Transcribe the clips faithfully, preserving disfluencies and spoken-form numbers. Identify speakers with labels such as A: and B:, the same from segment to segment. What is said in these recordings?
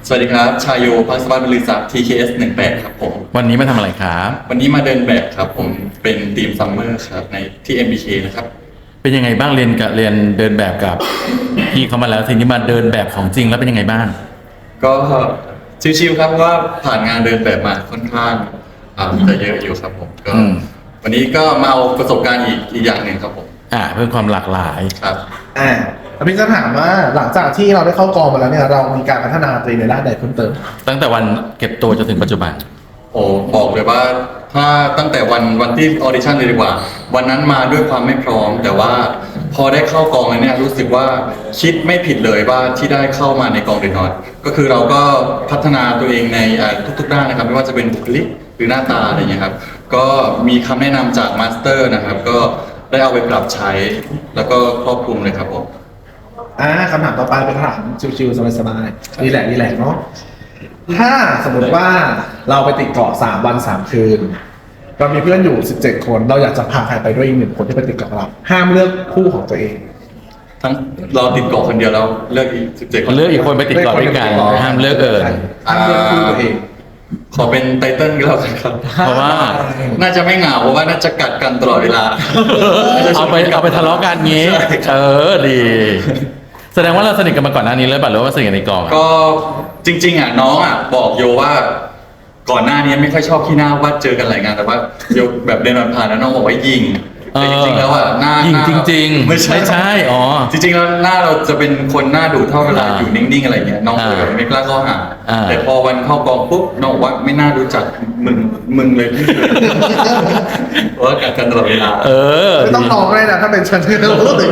A: สวัสดีครับชายโยพัสวัตบริษัท ที เค เอส หนึ่งแปดครับผม
B: วันนี้มาทำอะไรครับ
A: วันนี้มาเดินแบบครับผมเป็นทีมซัมเมอร์ครับในที่ เอ็ม บี เค นะครับ
B: เป็นยังไงบ้างเรียนกับเรียนเดินแบบกับ พี่เขามาแล้วทีนี้มาเดินแบบของจริงแล้วเป็นยังไงบ้าง
A: ก็ชิวๆครับเพราะว่าผ่านงานเดินแบบมาค่อนข้างอ่าจะเยอะอยู่ครับผมก็วันนี้ก็มาเอาประสบการณ์อีกอีกอย่างหนึ่งครับผม
B: อ่าเพิ่มความหลากหลาย
A: ครับ
C: อ่าพี่จะถามว่าหลังจากที่เราได้เข้ากองมาแล้วเนี่ยเรามีการพัฒนาตัวเองในด้านใดเพิ่มเติม
B: ตั้งแต่วันเก็บตัวจนถึงปัจจุบัน
A: โอ้บอกเลยว่าถ้าตั้งแต่วันวันที่ออดิชั่นเลยดีกว่าวันนั้นมาด้วยความไม่พร้อมแต่ว่าพอได้เข้ากองแล้วเนี่ยรู้สึกว่าคิดไม่ผิดเลยว่าที่ได้เข้ามาในกองเดนนอตก็คือเราก็พัฒนาตัวเองในทุกๆด้านนะครับไม่ว่าจะเป็นบุคลิกหรือหน้าตาอะไรอย่างเงี้ยครับก็มีคำแนะนำจากมาสเตอร์นะครับก็ได้เอาไปปรับใช้แล้วก็ครอบคลุมเลยครับผม
C: อ่าคำถามต่อไปเป็นคำถามชิวๆสบายๆรีแลกซ์รีแลกซ์เนาะถ้าสมมติว่าเราไปติดเกาะสามวันสามคืนเรามีเพื่อนอยู่สิบเจ็ดคนเราอยากจะพาใครไปด้วยอีกหนึ่งคนที่ไปติดเกาะเราห้ามเลือกคู่ของตัวเอง
A: ทั้งเราติดเกาะคนเดียวแล้วเลือกอีกสิบเจ็ดคน
B: เลือกอีกคนไปติดเกาะด้วยกันห้ามเลือกเอิญ
C: ห้ามเลือกคู่ตัวเอง
A: ขอเป็นไตเติ้ลก็แล้วกันครับ
B: เพราะว่า
A: น่าจะไม่เหงาเพราะว่าน่าจะกัดกันตลอดเวลา
B: เอาไปเอาไปทะเลาะกันงี้เออดีแสดงว่าเราสนิทกันมาก่อนหน้านี้เลยป่ะหรือว่าสนิทกันในกอง
A: ก็จริงๆอ่ะน้องอ่ะบอกโยว่าก่อนหน้านี้ไม่ค่อยชอบขี้หน้าว่าเจอกันหลายงานแต่ว่าโยแบบเดินผ่านแล้วน้องบอกว่ายิงแต่จริงๆแล้วอ่ะหน้า
B: ยิงจริงๆไม่ใช่ไม่ใช่อ๋อ
A: จริงๆแล้วหน้าเราจะเป็นคนหน้าดุเท่าเวลาอยู่นิ่งๆอะไรเงี้ยน้องเลยแบบไม่กล้าเข้าหาแต่พอวันเข้ากองปุ๊บน้องบอกว่าไม่น่ารู้จักมึงมึงเลยเพราะกัดกันตลอดเวลา
B: เออ
C: ไม่ต้องน้องเลยนะถ้าเป็นฉันที่รู้สึก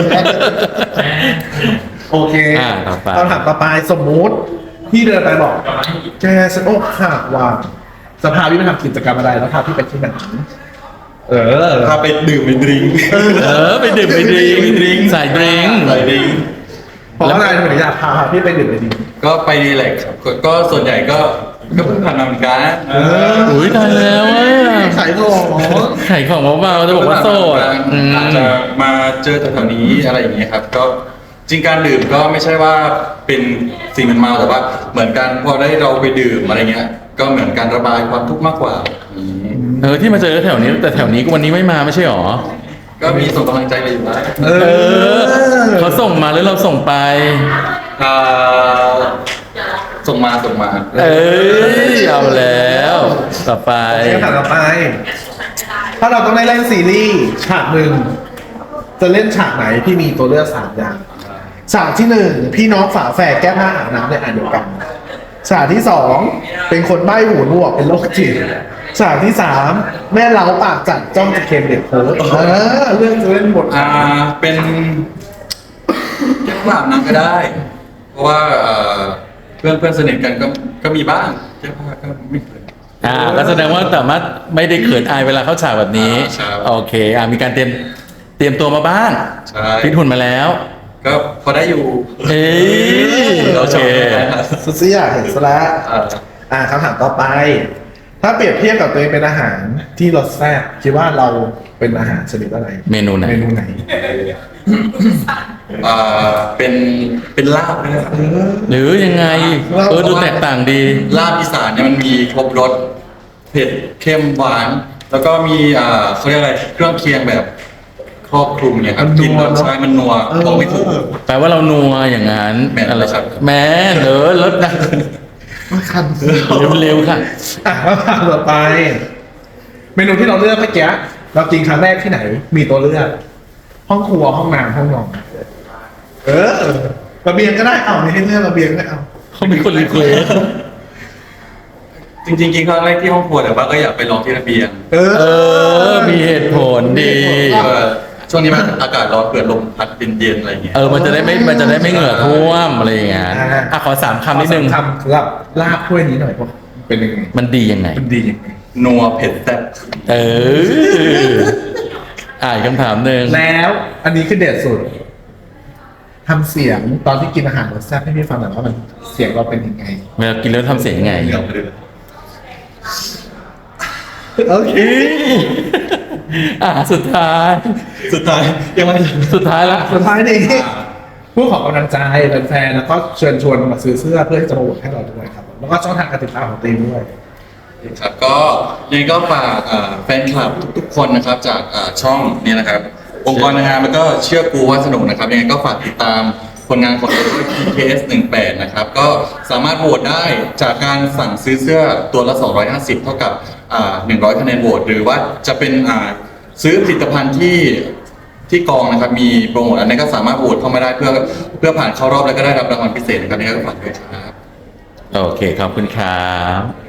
C: โอเคคำถามต่อไปสมมุติพี่เดินไปบอกแกฉันอกหักว่ะจะพาพี่ไปทำกิจกรรมอะไรแล้วพาพี่ไปที่ไหนเออ
A: พาไปดื่มไปดื่ม
B: เออไปดื่มไปดื่มใส่ดื่ม
A: ใส่ดื่ม
C: เพราะอะไรถึงอยากพาพี่ไปดื่มไปดื่ม
A: ก็ไปดีแหละครับก็ส่วนใหญ่ก็ก็เพิ่งผ่านมาเหมือนกัน
B: อุ้ยตายแล้ว
C: ขายของ
B: ขายของเบาๆจะบอกว่าโสด
A: อาจจะมาเจอแถวๆนี้อะไรอย่างเงี้ยครับก็จริงการดื่มก็ไม่ใช่ว่าเป็นสิ่งมันเมาแต่ว่าเหมือนกันพอได้เราไปดื่มอะไรเงี้ยก็เหมือนการระบายความทุกข์มากกว่า
B: เออที่มาเจอแถวนี้แต่แถวนี้วันนี้ไม่มาไม่ใช่หรอ
A: ก็มีส่งกำลังใจไปอยู่นะ
B: เออเขาส่งมาหรือเราส่งไป
A: อ่าส่งมาส่งมา
B: เอ้ยเอาแล้วต่อไป
C: คำถามต่อไปถ้าเราต้องได้เล่นซีรีส์ฉากหนึ่งจะเล่นฉากไหนพี่มีตัวเลือกสามอย่างฉากที่หนึ่งพี่น้องฝาแฝดแก้ผ้าอาบน้ำในอ่างเดียวกันฉากที่สองเป็นคนใบ้หูหนวกเป็นโรคจิตฉากที่สามแม่เล้าปากจัดจ้องจะเค็มเด็กโพสเออเรื่องจะเล่นบท
A: อ่าเป็นแก้ผ้าอาบน้ำก็ได้เพราะว่าเพื่อนเพื่อนสนิทกันก็ก็มีบ้างแก้ผ้าก็ไม่เคย
B: อ่าก็แสดงว่าสามารถไม่ได้เขินอายเวลาเข้าฉากแบบนี้โอเคอ่ามีการเตรียมเตรียมตัวมาบ้างฟิตหุ่นมาแล้ว
A: ก็พอได้อยู่
B: เฮ้ยโอเค
C: สุดเสียเห็นซะแล้วอ่าคำถามต่อไปถ้าเปรียบเทียบกับตัวเองเป็นอาหารที่รสแซ่บคิดว่าเราเป็นอาหารชนิดอะไร
B: เมนูไหน
C: เมนูไหน
A: อ่าเป็นเป็นลาบนะครับ
B: หรือยังไงเออดูแตกต่างดี
A: ลาบอีสานเนี่ยมันมีครบรสเผ็ดเค็มหวานแล้วก็มีอ่าเขาเรียกอะไรเครื่องเคียงแบบครอบคลุมเนี่ยครับกินรสชาติมันนัวบอกไม่ถูก
B: แปลว่าเรานัวอย่างนั้น
A: อะไรครับ
B: แม่เนอรสนะ
C: คัน
B: เร็วๆค่ะ
C: อ่ะต่อไปเมนูที่เราเลือกเมื่อกี้เรากินครั้งแรกที่ไหนมีตัวเลือกห้องครัวห้องน้ำห้องนอนเออระเบียงก็ได้เอาไม่ให้เลือกระเบียงก็เอา
B: เขามีคนรีเควส
A: จริงๆกินครั้งแรกที่ห้องครัวแต่ว่าก็อยากไปลองที่ระเบียง
B: เออมีเหตุผลดี
A: ช่วงนี้มันอากาศร้อนเกิดลมพัดเย็นๆอะไรเงี้ย
B: เออมันจะได้ไม่มันจะได้ไม่เหงื่อท่วมอะไรอย่างเงี้ยอ่ะขอสามคำนิดนึง
C: คำสำหรับลาบถ้วยนี้หน่อยว่าเป็นยังไง
B: มันดียังไง
C: มันดียังไง
A: นัวเผ็ดแซ่บ
B: เอออ่านคำถามหนึ่ง
C: แล้วอันนี้คือเด็ดสุดทำเสียงตอนที่กินอาหารรสแซ่บให้พี่ฟังหน่อยว่ามันเสียงเราเป็นยังไง
B: เวลากินแล้วทำเสียงยังไง
C: โอเค
B: อ่าสุดท้าย
A: สุดท้ายยังไง
B: สุดท้ายละ
C: สุดท้ายนี่ผู้ขอกำลังใจแฟนๆแล้วก็เชิญชวนมาซื้อเสื้อเพื่อที่จะมาโหวตให้เราด้วยครับแล้วก็ช่องทางการติดตามของตัวเองด้วย
A: ครับก็ยังไงก็ฝากอ่าแฟนคลับทุกๆคนนะครับจากอ่าช่องนี้นะครับองค์กรนางงามแล้วก็เชื่อกูว่าสนุกนะครับยังไงก็ฝากติดตามผลงานของเราด้วย พี เค เอส หนึ่งแปดนะครับก็สามารถโหวตได้จากการสั่งซื้อเสื้อตัวละ สองร้อยห้าสิบ เท่ากับอ่าหนึ่งร้อยคะแนนโหวตหรือว่าจะเป็นอ่าซื้อผลิตภัณฑ์ที่ที่กองนะครับมีโปรโมทอันนี้ก็สามารถโหวตเข้ามาได้เพื่อเพื่อผ่านเข้ารอบแล้วก็ได้รับรางวัลพิเศษนะครับนี่ก็ฝากด้วยครับ
B: โอเค ขอบคุณครับ